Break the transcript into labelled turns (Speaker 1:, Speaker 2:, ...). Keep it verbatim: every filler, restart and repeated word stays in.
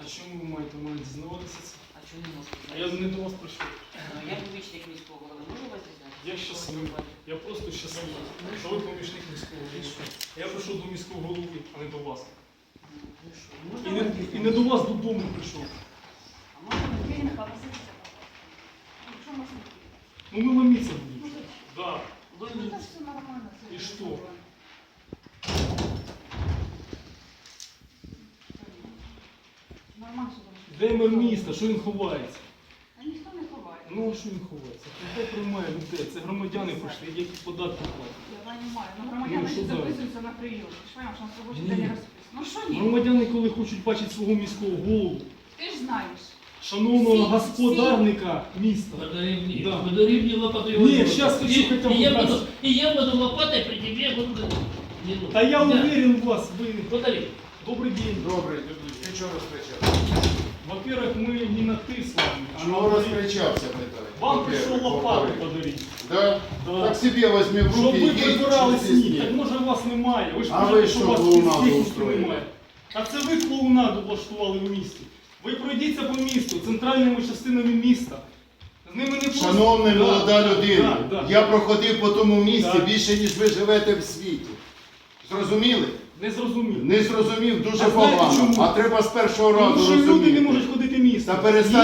Speaker 1: чому ви маєте мене дізнаватися це?
Speaker 2: А чому не можете?
Speaker 1: А я не до вас прийшов.
Speaker 2: Я помічник міського голови, можу вас дізнати?
Speaker 1: Я щасливий. Я просто щасливий, що ви помічник міського голови. Я прийшов до міського голови, а не до вас.
Speaker 2: Ну що,
Speaker 1: І
Speaker 2: можна
Speaker 1: не,
Speaker 2: вас
Speaker 1: і
Speaker 2: дізнати?
Speaker 1: не до вас додому прийшов.
Speaker 2: А можна вас
Speaker 3: Юрій
Speaker 2: дізнати?
Speaker 3: Михайлович, сидіться, будь ласка. Ну, що можна робити?
Speaker 1: Ну ми ломиться будемо. Да.
Speaker 2: Ви
Speaker 3: Ну,
Speaker 2: мені-
Speaker 3: так все нормально. все
Speaker 1: І що?
Speaker 3: нормально. Нормально, що там.
Speaker 1: Де мер міста? Що він ховається?
Speaker 3: А ніхто не ховає.
Speaker 1: Ну а що він ховається? Хто приймає людей? Це громадяни прийшли, які податки платять.
Speaker 3: Я розумію. Ну,
Speaker 1: Ну,
Speaker 3: громадяни
Speaker 1: що
Speaker 3: всі
Speaker 1: зараз?
Speaker 3: записуються на прийом. Ти ж розумієш, що на робочий
Speaker 1: Ні.
Speaker 3: день не розписано. Ну що ні?
Speaker 1: Громадяни, коли хочуть бачити свого міського голову,
Speaker 3: Ти ж знаєш.
Speaker 1: шановного
Speaker 3: Всі-
Speaker 1: господарника міста.
Speaker 4: Подари
Speaker 1: Да.
Speaker 4: подари мне лопату.
Speaker 1: Не, щас хочу
Speaker 4: и,
Speaker 1: хотя бы
Speaker 4: и я
Speaker 1: раз.
Speaker 4: буду, и я буду лопатой при тебе буду. Не, ну,
Speaker 1: Та я
Speaker 4: да.
Speaker 1: уверен в вас, ви.
Speaker 4: Подари.
Speaker 1: Добрий день.
Speaker 5: Добрий, ти чого розкричався?
Speaker 1: Во-первых, мы не на ты с вами, а на
Speaker 5: Чого
Speaker 1: вы.
Speaker 5: розкричався, питаю?
Speaker 1: Вам пришел
Speaker 5: Во-первых,
Speaker 1: лопату
Speaker 5: во-вторых.
Speaker 1: подарить.
Speaker 5: Да?
Speaker 1: Да.
Speaker 5: Так себе возьми в
Speaker 1: Щоб
Speaker 5: руки
Speaker 1: ви
Speaker 5: і їдь,
Speaker 1: прибирали
Speaker 5: що здесь
Speaker 1: сніг. Так
Speaker 5: нет.
Speaker 1: може у вас немає. Ви ж
Speaker 5: А
Speaker 1: кажете,
Speaker 5: ви
Speaker 1: що
Speaker 5: що,
Speaker 1: у вас
Speaker 5: клоунаду
Speaker 1: техніки
Speaker 5: устроїли?
Speaker 1: немає. А це ви клоунаду влаштували в місті. Ви пройдіться по місту, центральними частинами міста. З ними не просто...
Speaker 5: Шановна
Speaker 1: Да,
Speaker 5: молода
Speaker 1: да,
Speaker 5: людина,
Speaker 1: да, да.
Speaker 5: я проходив по тому місці
Speaker 1: Так.
Speaker 5: більше, ніж ви живете в світі. Зрозуміли?
Speaker 1: Не зрозумів.
Speaker 5: Не зрозумів дуже
Speaker 1: А знаєте
Speaker 5: погано.
Speaker 1: чому?
Speaker 5: А треба з першого разу
Speaker 1: Тому що люди
Speaker 5: розуміти.
Speaker 1: не можуть ходити містом.
Speaker 5: Та перестань